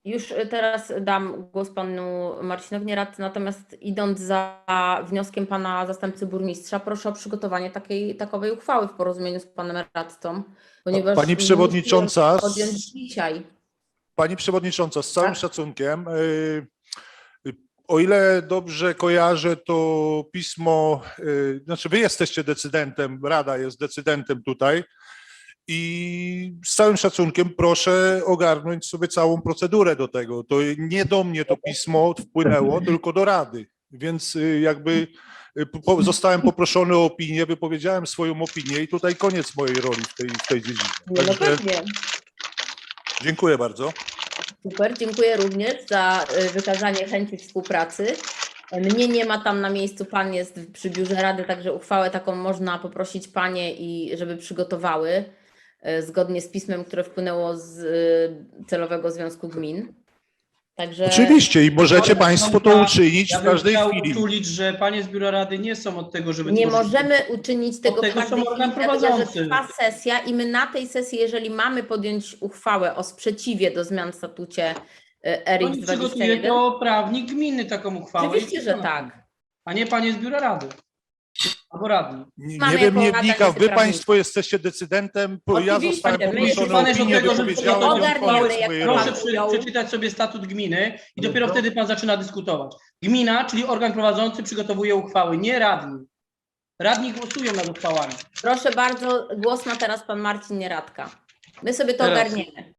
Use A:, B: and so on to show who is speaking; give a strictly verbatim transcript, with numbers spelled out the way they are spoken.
A: Już teraz dam głos panu Marcinowi Nieradcy, natomiast idąc za wnioskiem pana zastępcy burmistrza, proszę o przygotowanie takiej takowej uchwały w porozumieniu z panem radcą, ponieważ
B: Pani
A: nie
B: przewodnicząca,
A: musimy podjąć dzisiaj.
B: Pani przewodnicząca, z całym
A: Tak?
B: szacunkiem, y, o ile dobrze kojarzę, to pismo, y, znaczy wy jesteście decydentem, Rada jest decydentem tutaj i z całym szacunkiem proszę ogarnąć sobie całą procedurę do tego. To nie do mnie to pismo wpłynęło, tylko do Rady, więc y, jakby y, po, zostałem poproszony o opinię, wypowiedziałem swoją opinię i tutaj koniec mojej roli w tej, w tej dziedzinie.
A: Nie, no
B: Także
A: pewnie.
B: dziękuję bardzo.
A: Super, dziękuję również za y, wykazanie chęci współpracy. Mnie nie ma tam na miejscu, pan jest przy biurze Rady, także uchwałę taką można poprosić panie, i żeby przygotowały y, zgodnie z pismem, które wpłynęło z y, Celowego Związku Gmin. Także
B: Oczywiście i możecie
C: Ale
B: Państwo to
C: ja-
B: uczynić
C: Ja
B: w
C: bym
B: każdej
C: chciał
B: chwili.
C: uczulić, że panie z biura rady nie są od tego, żeby
A: nie
C: tworzyć-
A: możemy uczynić tego,
C: tego
A: w każdej
C: są organ
A: chwili, dlatego że
C: prowadzący.
A: trwa sesja i my na tej sesji, jeżeli mamy podjąć uchwałę o sprzeciwie do zmian w statucie y,
C: To
A: R X
C: nie
A: dwadzieścia
C: przygotuje
A: jeden,
C: to prawnik gminy taką uchwałę.
A: oczywiście,
C: i
A: że
C: przekona.
A: tak.
C: A nie panie z biura rady. Albo radni.
B: Nie,
A: Mamy
B: nie wiem,
A: jako
B: nie
A: Rada
B: wnikam. Wy
A: Nieprawnika.
B: Państwo jesteście decydentem, bo ja
A: Oczywiście,
B: zostałem
A: my
B: poproszony
A: jesteśmy
B: o
C: od
B: opinię,
C: tego, że
B: wypowiedziałem
A: to
B: ją
A: ogarniemy,
B: koniec
A: jak
B: mojej
A: to
B: roli.
C: Proszę przy,
A: ujął.
C: przeczytać sobie statut gminy i
B: No
C: dopiero
B: to-
C: wtedy pan zaczyna dyskutować. Gmina, czyli organ prowadzący, przygotowuje uchwały, nie radni. Radni głosują nad uchwałami.
A: Proszę bardzo, głos ma teraz pan Marcin Nieradka. My sobie to
C: Teraz.
A: ogarniemy.